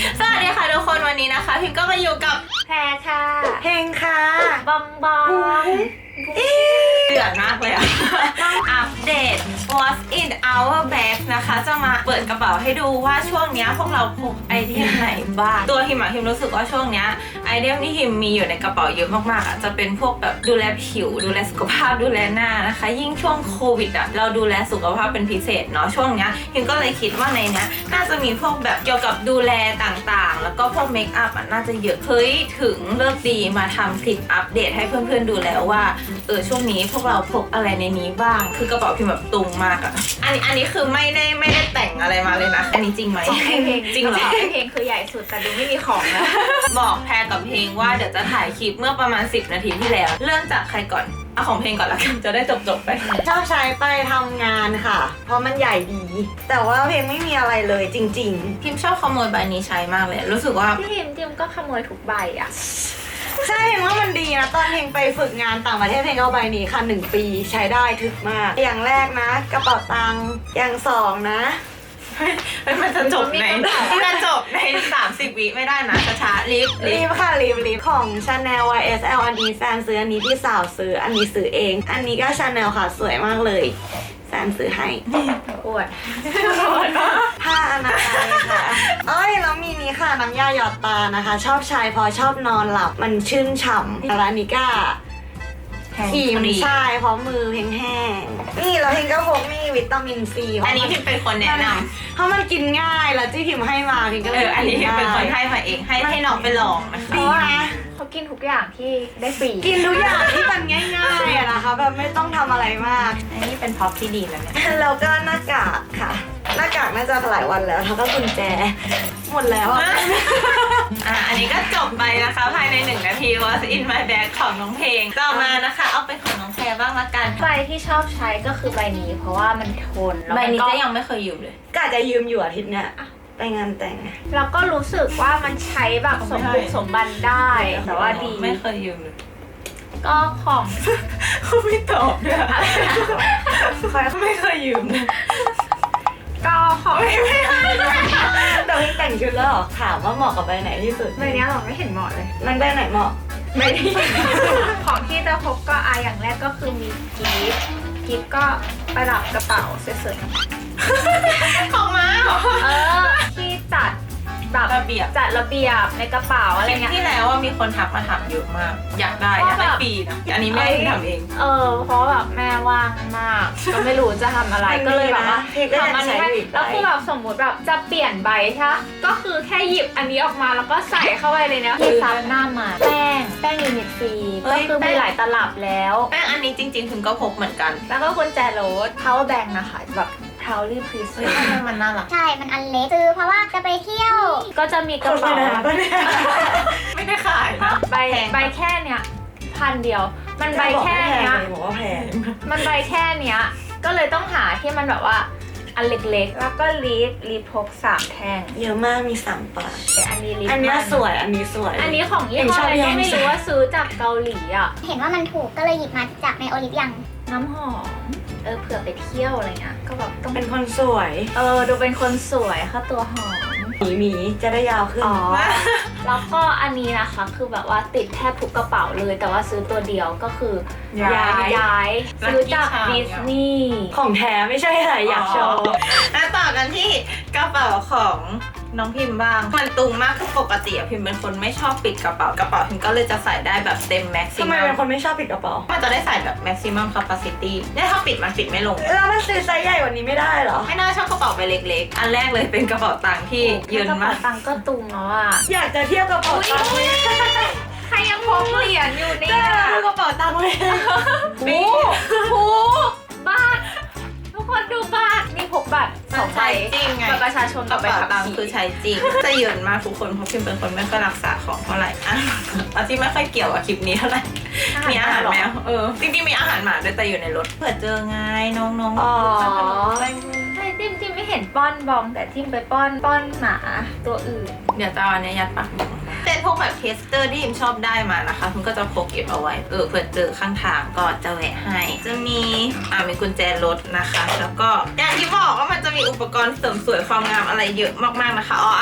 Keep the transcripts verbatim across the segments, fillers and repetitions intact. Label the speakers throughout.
Speaker 1: สวัสดีค่ะทุกคนวันนี้นะคะพิมก็มาอยู่กับ
Speaker 2: แพรค่ะ
Speaker 3: เพลงค่ะ
Speaker 2: บองบอง
Speaker 1: เดือดมากเลยอะอัปเดต What's in our bag นะคะจะมาเปิดกระเป๋าให้ดูว่าช่วงนี้พวกเราพกไอเทมไหนบ้างตัวฮิมอะฮิมรู้สึกว่าช่วงนี้ไอเทมที่ฮิมมีอยู่ในกระเป๋าเยอะมากๆอะจะเป็นพวกแบบดูแลผิวดูแลสุขภาพดูแลหน้านะคะยิ่งช่วงโควิดอะเราดูแลสุขภาพเป็นพิเศษเนาะช่วงนี้ฮิมก็เลยคิดว่าในนี้น่าจะมีพวกแบบเกี่ยวกับดูแลต่างๆแล้วก็พวกเมคอัพอะน่าจะเยอะเฮ้ยถึงเลิกดีมาทำคลิปอัปเดตให้เพื่อนๆดูแล้วว่าเออช่วงนี้พวกเราพกอะไรในนี้บ้างคือกระเป๋าพิมแบบตุงมากอะอันนี้อันนี้คือไม่ได้ไม่ได้แต่งอะไรมาเลยนะอันนี้จริงไหม
Speaker 2: ไอเพลง
Speaker 1: จริงเหรอ
Speaker 2: ไอเพลงคือใหญ่สุดแต่ดูไม่มีของแล้ว
Speaker 1: บอกแพรกับเพลงว่าเดี๋ยวจะถ่ายคลิปเมื่อประมาณสิบนาทีที่แล้วเริ่มจากใครก่อนเอาของเพลงก่อนละกันจะได้จบๆไป
Speaker 3: ชอบใช้ไปทำงานค่ะเพราะมันใหญ่ดีแต่ว่าเพลงไม่มีอะไรเลยจริง
Speaker 1: พิมชอบขโมยใบนี้ใช้มากเลยรู้สึกว่า
Speaker 2: พี่ทิมทิมก็ขโมยทุกใบอ่ะ
Speaker 3: ๆใช่เพลงว่ามันดีนะตอนเพลงไปฝึกงานต่างประเทศเพลงเอาใบนี้ค่ะหนึ่งปีใช้ได้ถึกมากอย่างแรกนะกระเป๋าตังค์อย่างสองนะ
Speaker 1: มันจะจบในมันจะจบในสามสิบวิไม่ได้นะช้าๆลิฟต์
Speaker 3: ลิฟค่ะลิฟลิฟของ Chanel วาย เอส แอล อันนี้แฟนซื้ออันนี้พี่สาวซื้ออันนี้ซื้อเองอันนี้ก็ Chanel ค่ะสวยมากเลยแฟนซื้อให้
Speaker 2: อวด
Speaker 3: ผ้าอนามัยค่ะเอ้ยแล้วมีนี้ค่ะน้ำยาหยอดตานะคะชอบใช้พอชอบนอนหลับมันชื่นฉ่ำแล้วอันนี้ก็ครีมใช่เพราะมือเพลงแห้งนี่แล้วเพลงก็พกนี่วิตามินซี
Speaker 1: อันนี้พิมเป็นคนแนะน
Speaker 3: ำเพราะมันกินง่ายแล้วที่พิมให้มาพิมก็เลย
Speaker 1: อันนี้พิมเป็นคนให้มาเองให้ให้น้องไปลองนะคะ
Speaker 3: ดีนะ
Speaker 2: เขากินทุกอย่างที่ได้ฟรี
Speaker 3: กินทุกอย่างที่มันง่ายๆอะนะคะแบบไม่ต้องทำอะไรมาก
Speaker 1: อันนี้เป็นพ็อปที่ดีแล้วเนี่ย
Speaker 3: แล้วก็หน้ากากค่ะหน้ากากน่าจะหลายวันแล้วแล้วก็กุญแจหมดแล้วอ่ะ
Speaker 1: อ่ะอันนี้ก็จบไปนะคะภายในหนึ่งนาที What's in my bag ของน้องเพลงต่อมานะคะเอาเป็นของน้องแพรบ้างละกัน
Speaker 2: ใบที่ชอบใช้ก็คือใบนี้เพราะว่ามันทน
Speaker 1: ใบนี้จะยังไม่เคยยืมเลย
Speaker 3: กะจะยืมอยู่อาทิตย์เนี้ยไปงานแต่ง
Speaker 2: แล้วก็รู้สึกว่ามันใช้แบบสมบุกสมบันได้แต่ว่าดี
Speaker 1: ไม่เคยยืมเลย
Speaker 2: ก็ของ
Speaker 1: เขาไม่ตอบด้วยไม่เคยยืม
Speaker 2: ก็ของ
Speaker 3: ไม่ไม่แต่พี่แต่งชุดแล้วหรอถามว่าเหมาะกับใบไหนที่สุด
Speaker 2: ใบนี้หรอไม่เห็นเหมาะเลย
Speaker 3: มันใบไหนเหมาะ
Speaker 2: ไม่ได้ของที่จะพกก็อาอย่างแรกก็คือมีกิฟต์กิฟต์ก็ประดับกระเป๋าสวย
Speaker 1: ๆของม้าเหรอ
Speaker 2: เออที่จัดแบบ
Speaker 1: ระเบียบ
Speaker 2: จัดระเบียบในกระเป๋าอะไรเงี้ย
Speaker 1: ที่แล้วว่ามีคนทักมาถามเยอะมากอยากได้อยากได้ปีนะอันนี้แม่ทำเอง
Speaker 2: เออเพราะแบบแม่ว่างมากก็ไม่รู้จะทำอะไรก็เลยแบบว่าทำอันนี้แล้วคือแบบสมมติแบบจะเปลี่ยนใบใช่ก็คือแค่หยิบอันนี้ออกมาแล้วก็ใส่เข้าไปเลยนะที่ซับหน้ามาแป้งแป้งยูนิตฟรีก็คือมีหลายตลับแล้ว
Speaker 1: แป้งอันนี้จริงๆถึงก็พกเหมือนกัน
Speaker 2: แล้วก็กุญแจรถ power bank นะคะแบบProudly Present
Speaker 1: มันน่ารัก
Speaker 4: ใช่มันอันเล็กซื้อเพราะว่าจะไปเที่ยว
Speaker 2: ก็จะมีกระเป๋า
Speaker 1: ไม่ได้ขายนะ
Speaker 2: ใบใบแค่เนี้ยพันเดียวมันใบแค่เนี้ย
Speaker 3: บอกว่าแพง
Speaker 2: มันใบแค่เนี้ยก็เลยต้องหาที่มันแบบว่าอันเล็กๆแล้วก็ลิปลิปพกสามแท่ง
Speaker 3: เยอะมากมีสามปาก
Speaker 2: แต่อันนี้ลิป
Speaker 3: อันนี้สวยอันนี้สวย
Speaker 2: อันนี้ของยี่ห้ออะไรก็ไม่รู้ว่าซื้อจากเกาหลีอ่ะ
Speaker 4: เห็นว่ามันถูกก็เลยหยิบมาจากในโอลิฟยัง
Speaker 2: น้ำหอมเออเผื่อไปเที่ยวอะไรเงี้ยก็แบบต้อง
Speaker 3: เป็นคนสวย
Speaker 2: เออดูเป็นคนสวยค่ะตัวหอม
Speaker 3: หมีหมีจะได้ยาวขึ้น
Speaker 2: อ๋อแล้วก็อันนี้นะคะคือแบบว่าติดแทบทุกกระเป๋าเลยแต่ว่าซื้อตัวเดียวก็คือย้ายย้ายซื้อจากดิสนีย์
Speaker 3: ของแท้ไม่ใช่อะไรอยากโชว์
Speaker 1: แล้วต่อกันที่กระเป๋าของน้องพิมพ์บ้างมันตุงมากคือปกติอะพิมพ์เป็นคนไม่ชอบปิดกระเป๋ากระเป๋าพิมพ์ก็เลยจะใส่ได้แบบเต็มแม็กซิมัม
Speaker 3: ทำไมเป็นคนไม่ชอบปิดกระเป๋า
Speaker 1: มันจะได้ใส่แบบแม็กซิมัมแคปาซิตี้ได้ถ้าปิดมันปิดไม่ลง
Speaker 3: แล้วมันซื้อไซส์ใหญ่กว่านี้ไม่ได้เหรอ
Speaker 1: ไม่น่าชอบกระเป๋าใบเล็กๆอันแรกเลยเป็นกระเป๋าตังค์ที่เยินมาก
Speaker 2: กระเป๋าตังค์ก็ตุงแล้วอะ
Speaker 3: อยากจะเที่ยวกระเป๋าตังค์
Speaker 2: ใครยังพกเหรียญอยู่เนี่ย
Speaker 3: กระเป๋าตังค์เลย
Speaker 2: โอ้โหบ้าทุกคนดูบัตรนี่พกบัตรสองใบ
Speaker 1: จริงไง
Speaker 2: บัตรประชาชน
Speaker 1: กับใบขับขี่คือใช้จริงจะเยินมากทุกคนเพราะพิมเป็นคนไม่ค่อยรักษาของเท่าไหร่อ่ะอาที่ไม่ค่อยเกี่ยวกับคลิปนี้เท่าไหร่มีอาหารแมวเออจริงๆมีอาหารหมาด้วยแต่อยู่ในรถเผื่อเจอไงน้องๆ
Speaker 2: อ๋อใช่จิ้มจิ้มไม่เห็นป้อนบองแต่จิ้มไปป้อนป้อนหมาตัวอื่น
Speaker 1: เดี๋ยวจะเอาอันนี้ยัดปากเป็นพวกแบบเทสเตอร์ที่พิมชอบได้มานะคะพิมก็จะพกเก็บเอาไว้เออเผื่อเจอข้างทางก็จะแวะให้จะมีอ่ามีกุญแจรถนะคะแล้วก็อย่างที่บอกว่ามันจะมีอุปกรณ์เสริมสวยความงามอะไรเยอะมากๆนะคะอ๋ออ่าอ่า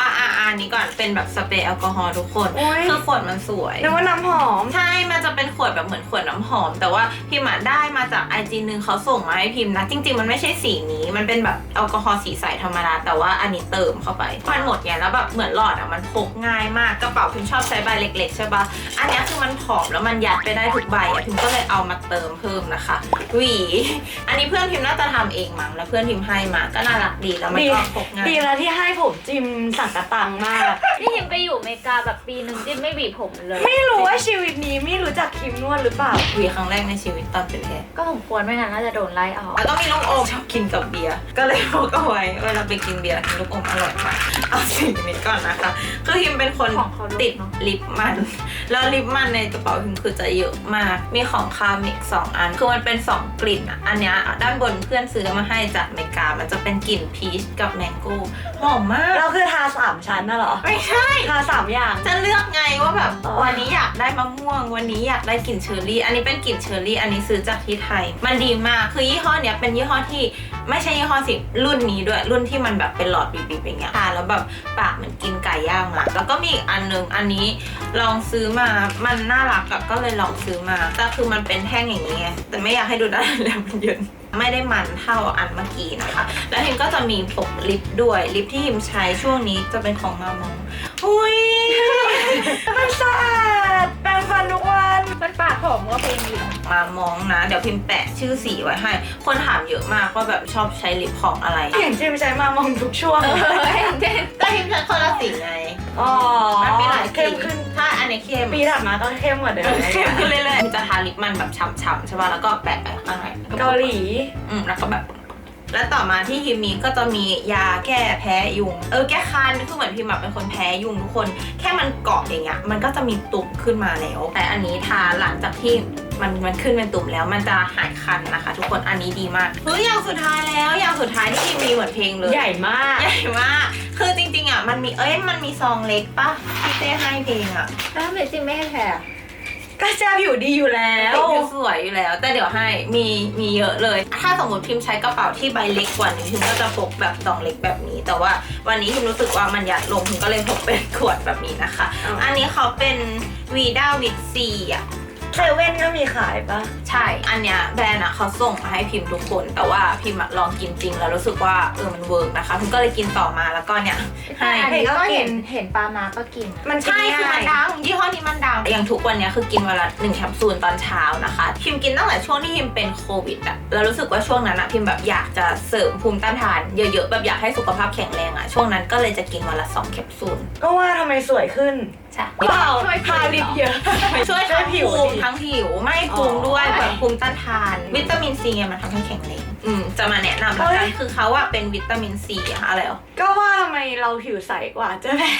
Speaker 1: อันนี้ก่อนเป็นแบบสเปรย์แอลกอฮอล์ทุกคน
Speaker 3: โอ๊ย
Speaker 1: คือขวดมันสวย
Speaker 3: นึกว่าน้ำหอม
Speaker 1: ใช่ มันจะเป็นขวดแบบเหมือนขวดน้ำหอม แต่ว่าพิมพ์อะได้มาจากไอจีนึงเขาส่งมาให้พิมพ์นะ จริงๆมันไม่ใช่สีนี้มันเป็นแบบแอลกอฮอล์สีใสธรรมดาแต่ว่าอันนี้เติมเข้าไปมันหมดไงแล้วแบบเหมือนหลอดอะมันพกง่ายมากกระเป๋าพิมพ์ชอบใช้ใบเล็กๆใช่ปะอันนี้คือมันผอมแล้วมันยัดไปได้ทุกใบอะพิมพ์ก็เลยเอามาเติมเพิ่มนะคะหวีอันนี้เพื่อนพิมพ์น่าจะทำเองมั้งแล้วเพื่อนพิมพ์ให้มาก็น่ารักดีแล้วมันก็พกง่าย
Speaker 3: ดีแล้วที่ให้ผมจิมสังกะตังมาก
Speaker 2: นี่ยิมไปอยู่อเมริกาแบบปีหนึ่งจิมไม่หวีผมเลย
Speaker 3: ไม่รู้ว่าชีวิตนี้ไม่รู้จักครีมนวดหรือเปล่า
Speaker 1: หวีครั้งแรกในชีวิตตอนเป็นแพทย์
Speaker 2: ก็สมควรไม่งั้นน่าจะโดนไล่ออก
Speaker 1: แล้วก็มีลูกอมชอบกินกับเบียร์ก็เลยพกเอาไว้เวลาไปกินเบียร์กินลูกอมอร่อยมากเอาสิ่งนี้ก่อนนะคะคือพิมเป็นคน
Speaker 2: ของเขาลด
Speaker 1: ติด
Speaker 2: เนอะ
Speaker 1: ลิปมันแล้วลิปมันในกระเป๋าพิมคือจะเยอะมากมีของคามิกสองอันคือมันเป็นสองกลิ่นอ่ะอันเนี้ยด้านบนเพื่อนซื้อมาให้จากอเมริกามันจะเป็นกลิ่นพีชกับแมงโก้หอมมาก
Speaker 3: เราคือทาสามชั้นน่ะเหรอ
Speaker 1: ไม่ใช่
Speaker 3: ทาสามอย่าง
Speaker 1: จะเลือกไงว่าแบบ
Speaker 3: อ๋อ
Speaker 1: วันนี้อยากได้มะม่วงวันนี้อยากได้กลิ่นเชอร์รี่อันนี้เป็นกลิ่นเชอร์รี่อันนี้ซื้อจากที่ไทยมันดีมากคือยี่ห้อเนี้ยเป็นยี่ห้อที่ไม่ใช่ยี่ห้อสิรุ่นนี้ด้วยรุ่นที่มันแบบเป็นหลอดบีบๆอย่างเงี้ยทานแล้วแบบปากเหมือนกินไก่ย่างมาแล้วก็มีอีกอันนึงอันนี้ลองซื้อมามันน่ารักอะก็เลยลองซื้อมาแต่คือมันเป็นแท่งอย่างนี้ไงแต่ไม่อยากให้ดูได้แล้วมันเยินไม่ได้มันเท่าอันเมื่อกี้นะคะแล้วฮิมก็จะมีพกลิปด้วยลิปที่ฮิมใช้ช่วงนี้จะเป็นของมามองอุ้ย
Speaker 3: มันสะอาดแปรงฟันทุกวัน
Speaker 2: มันปากหอมก็เป็นอยู่
Speaker 1: มามองนะ เดี๋ยวพิมพ์แปะชื่อสีไว้ให้ คนถามเยอะมากว่าแบบชอบใช้ลิปของอะไร
Speaker 3: เห็นจิมใช้มามองทุกช่วง
Speaker 2: เช่น
Speaker 1: แต่พิมพ์ใช้คนละสีไง
Speaker 3: อ๋อ
Speaker 1: มันมีหลาย
Speaker 3: เข้มขึ้น
Speaker 1: ใช่อันนี้เข้ม
Speaker 3: ปีถัดมาก็เข้มกว่าเดิม
Speaker 1: เข้มขึ้นเรื่อยๆพิมจะทาลิปมันแบบฉ่ำๆใช่ป่ะแล้วก็แปะไปข้างใน
Speaker 3: เกาหลี
Speaker 1: อืมแล้วก็แบบ และต่อมาที่พิมมีก็จะมียาแก้แพ้ยุง เออแก้คันคือเหมือนพิมแบบเป็นคนแพ้ยุงทุกคน แค่มันเกาะอย่างเงี้ยมันก็จะมีตุ่มขึ้นมาแล้ว แต่อันนี้ทาหลังจากที่มันมันขึ้นเป็นตุ่มแล้วมันจะหายคันนะคะ ทุกคนอันนี้ดีมากเฮ้ยอย่างสุดท้ายแล้วอย่างสุดท้ายที่พิมมีเหมือนเพลงเลย
Speaker 3: ใหญ่มาก
Speaker 1: ใหญ่มาก คือจริงๆอ่ะมันมีเอ้ยมันมีซองเล็กปะที่เต้ให้เพลงอ่ะ
Speaker 2: แล้วทำไมจิมไม่ให้แพ้อะ
Speaker 3: ก็จะผิวดีอยู่แล้ว
Speaker 1: ผิวสวยอยู่แล้ว แต่เดี๋ยวให้มีมีเยอะเลย ถ้าสมมติพิมพ์ใช้กระเป๋าที่ใบเล็กกว่านี้พิมก็จะพกแบบซองเล็กแบบนี้ แต่ว่าวันนี้พิมรู้สึกว่ามันยัดลงพิมก็เลยพกเป็นขวดแบบนี้นะคะ
Speaker 3: อ๋ออั
Speaker 1: อันนี้เขาเป็นวีด้าวิตซีอ่ะ
Speaker 3: เซเว่นก็มีขายปะ
Speaker 1: ใช่ อันเนี้ยแบรนด์อะเขาส่งมาให้พิมพ์ทุกคน แต่ว่าพิมพ์อะลองกินจริงแล้วรู้สึกว่าเออมันเวิร์กนะคะพิมก็เลยกินต่อมาแล้วก็เนี่ย
Speaker 2: ใช่
Speaker 1: ให้
Speaker 2: อันนี้ก็
Speaker 3: ก็กิน
Speaker 2: เห็นเห็นปลามาก็กินอะ
Speaker 3: มัน
Speaker 1: ใช่คือมัน
Speaker 3: ง่าย
Speaker 1: ดังยี่ห้อนี้มันดังอย่างทุกวันเนี้ยคือกินวันละหนึ่งแคปซูลตอนเช้านะคะพิมกินตั้งแต่ช่วงที่พิมเป็นโควิดอะแล้วรู้สึกว่าช่วงนั้นอะพิมแบบอยากจะเสริมภูมิต้านทานเยอะๆแบบอยากให้สุขภาพแข็งแรงอะช่วงนั้นก็เลยจะกินวันละสองแคปซูล
Speaker 3: ก็ว่าทำไมสวยขึ้น
Speaker 1: ใช่
Speaker 3: เปล่าทาลิปเยอะ
Speaker 1: ช่วยทั้ง
Speaker 3: ผิว
Speaker 1: ภูมิ
Speaker 3: ดี
Speaker 1: ทั้งผิวไม่ภูมิด้วย
Speaker 3: อ๋อ
Speaker 1: แบบภูมิต้านทานวิตามินซีไงมันทำให้แข็งแรงอืมจะมาแนะนำแล้วกันคือเขาอะเป็นวิตามินซีอะอะไรอ่ะ
Speaker 3: ก็ว่าทำไมเราผิวใสกว่าเจะแพ้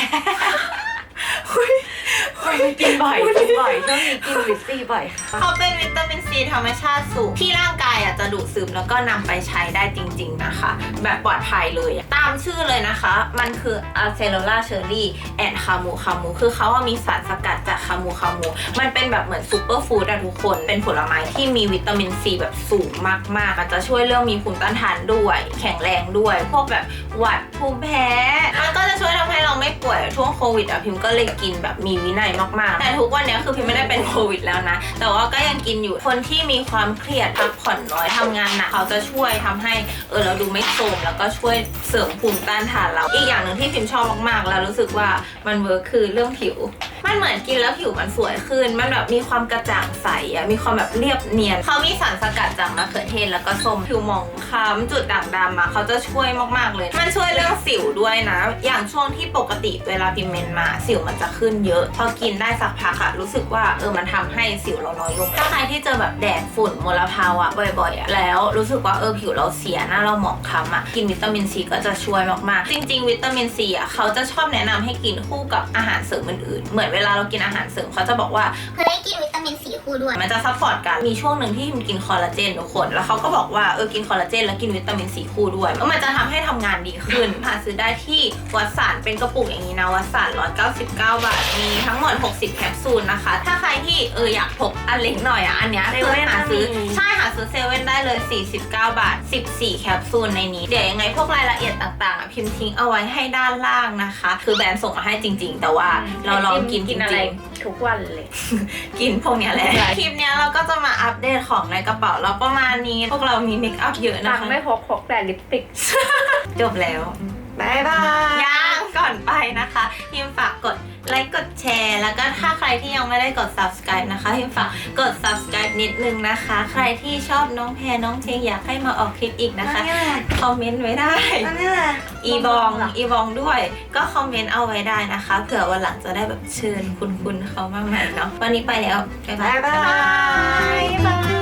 Speaker 3: กินบ่อยกินบ่อยช่วงนี้กินวิตซีบ่อยค่ะ
Speaker 1: เขาเป็นวิตามินซีธรรมชาติสูงที่ร่างกายอ่ะจะดูดซึมแล้วก็นำไปใช้ได้จริงๆนะคะ แบบปลอดภัยเลยอะตามชื่อเลยนะคะ มันคือ Acerola Cherry and Camu Camu คือเขาว่ามีสารสกัดจากคามูคามูมันเป็นแบบเหมือนซูเปอร์ฟู้ดอะทุกคนเป็นผลไม้ที่มีวิตามินซีแบบสูงมากๆมันจะช่วยเรื่องมีภูมิต้านทานด้วย แข็งแรงด้วย พวกแบบหวัดภูมิแพ้มันก็จะช่วยทำให้เราไม่ป่วยช่วงโควิดอะพิมก็เลยกินแบบมีวินัยมากๆแต่ทุกวันนี้คือพิมไม่ได้เป็นโควิดแล้วนะแต่ว่าก็ยังกินอยู่คนที่มีความเครียดพักผ่อนน้อยทำงานหนักเขาจะช่วยทำให้เออเราดูไม่โทรมแล้วก็ช่วยเสริมภูมิต้านทานเราอีกอย่างหนึ่งที่พิมชอบมากๆแล้วรู้สึกว่ามันเวิร์คคือเรื่องผิวมันเหมือนกินแล้วผิวมันสวยขึ้นมันแบบมีความกระจ่างใสอะมีความแบบเรียบเนียนเขามีสารสกัดจากมะเขือเทศแล้วก็ส้มผิวหมองคล้ำจุดด่างดำอะเขาจะช่วยมากๆเลยมันช่วยเรื่องสิวด้วยนะอย่างช่วงที่ปกติเวลาพิมเมนมาสิวมันจะขึ้นเยอะพอกินได้สักพักอะรู้สึกว่าเออมันทำให้สิวเราน้อยลงถ้าใครที่เจอแบบแดดฝุ่นมลภาวะบ่อยๆอะแล้วรู้สึกว่าเออผิวเราเสียหน้าเราหมองคล้ำอะกินวิตามินซีก็จะช่วยมากๆจริงๆวิตามินซีอะเขาจะชอบแนะนำให้กินคู่กับอาหารเสริมอื่นๆเหมือนเวลาเรากินอาหารเสริมเขาจะบอกว่า
Speaker 4: เฮ้ยกินวิตามินซีคู่ด้วย
Speaker 1: มันจะซัพพอร์ตกันมีช่วงหนึ่งที่มันกินคอลลาเจนทุกคนแล้วเขาก็บอกว่าเออกินคอลลาเจนแล้วกินวิตามินซีคู่ด้วยแล้วมันจะทำให้ทำงานดีขึ้นหาซื้อได้ที่วัดสารเป็นกระปุกอย่างนี้นะวัดสารหนึ่งร้อยเก้าสิบเก้าบาทมีทั้งหมดหกสิบแคปซูลนะคะถ้าใครที่เอออยากพกอันเล็กหน่อยอ่ะอันเนี้ยคือหาซื้อใช่หาซื้อเซเว่นได้เลยสี่สิบเก้าบาทสิบสี่แคปซูลในนี้เดี๋ยวยังไงพวกรายละเอียดต่างๆอ่ะพิมพ์ทิ้งเอาไว้ให้ด้านล่างนะคะคือแบรนด์ส่งมาให้จริง ๆ แต่ว่าเราลองกินจ
Speaker 2: กิน
Speaker 1: ริ
Speaker 2: อะไร
Speaker 1: ง
Speaker 2: ทุกวันเลย
Speaker 1: ๆกินพวกเนี้ยแหละ
Speaker 2: ใช่
Speaker 1: คลิปเนี้ยเราก็จะมาอัปเดตของในกระเป๋าเราประมาณนี้พวกเรามีเมคอัพเยอะ
Speaker 2: ตั
Speaker 1: นะ
Speaker 2: ง
Speaker 1: คะ
Speaker 2: ค์ไม่พกพกแต่ลิปสติก
Speaker 1: จบแล้ว
Speaker 3: บ๊ายบาย
Speaker 1: ยังก่อนไปนะคะพิมฝากกดไลค์กดแชร์แล้วก็ถ้าใครที่ยังไม่ได้กด subscribe นะคะพิมฝากกด subscribe นิดนึงนะคะ ใครที่ชอบน้องแพรน้องเพลงอยากให้มาออกคลิปอีกนะคะ
Speaker 3: นั่นแหละ
Speaker 1: คอมเมนต์ไว้ได้
Speaker 3: นั่นแหละ
Speaker 1: อีบอง
Speaker 2: เหรอ
Speaker 1: อีบองด้วย ก็คอมเมนต์เอาไว้ได้นะคะเผื่อวันหลังจะได้แบบเชิญคุณคุณเขามาใหม่เนาะวันนี้ไปแล้วบ๊ายบา
Speaker 3: บ๊าย ยบาย
Speaker 1: บ๊ายบาย